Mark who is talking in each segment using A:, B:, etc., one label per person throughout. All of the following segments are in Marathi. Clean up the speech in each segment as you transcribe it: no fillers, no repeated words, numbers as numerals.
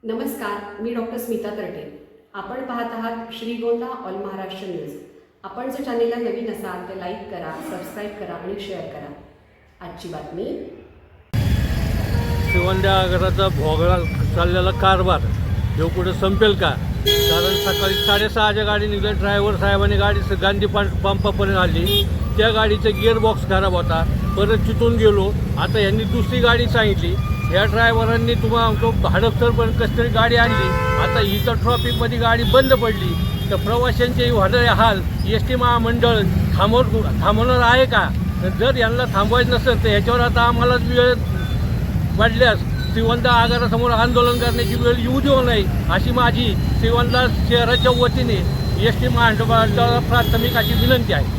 A: नमस्कार, मी डॉक्टर स्मिता तरटे. आपण पाहत आहात श्रीगोंदा ऑल महाराष्ट्र न्यूज. आपण जर चॅनेलला नवीन असाल तर लाईक करा, सबस्क्राईब करा आणि शेअर करा. आजची बातमी.
B: श्रीगोंदा आगाराचा भोगळा चाललेला कारभार जो कुठे संपेल का? कारण सकाळी 6:30च्या गाडी निघाली, ड्रायव्हर साहेबांनी गाडी गांधी पंपापर्यंत आली. त्या गाडीचा गिअरबॉक्स खराब होता, परत तिथून गेलो. आता यांनी दुसरी गाडी सांगितली. ह्या ड्रायव्हरांनी तुम्हाला हडपसरपर्यंत कसं तरी गाडी आणली. आता इथं ट्रॉफिकमध्ये गाडी बंद पडली तर प्रवाशांचे होणारे हाल एस टी महामंडळ थांबवणार आहे का? जर यांना थांबवायचं नसेल तर ह्याच्यावर आता आम्हालाच वेळ वाढल्यास श्रीगोंदा आगारासमोर आंदोलन करण्याची वेळ येऊ देऊ नये अशी माझी श्रीगोंदा शहराच्या वतीने एस टी महामंडळाला प्राथमिक अशी विनंती आहे.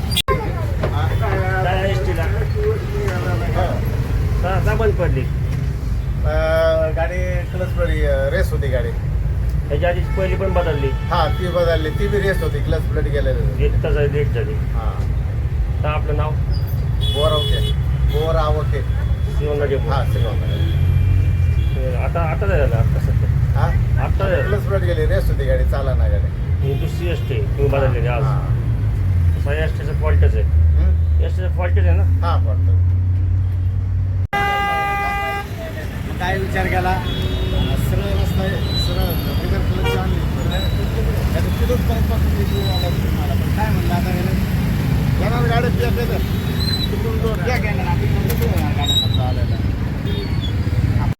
C: बंद पडली
D: गाडी क्लच प्लेट रेस होती गाडी.
C: त्याच्या आधी पहिली पण बदलली.
D: हा ती बदलली, ती बी रेस होती, क्लच प्लेट गेलेली.
C: 1 तास लेट झाली.
D: हा
C: तर आपलं नाव
D: बोरावके
C: श्रीगोंदा डेपो.
D: हा
C: आता झालं आता सध्या.
D: हा
C: आता
D: क्लच प्लेट गेली, रेस होती गाडी, चाला ना गाडी.
C: ही दुसरी एस टी तुम्ही बदललेली आज. सगळ्या एस टीचं फॉल्टच आहे. एस टीचं फॉल्टच आहे ना.
D: हा पडतो. काय विचार केला? सरळ रस्ता आहे, सरळ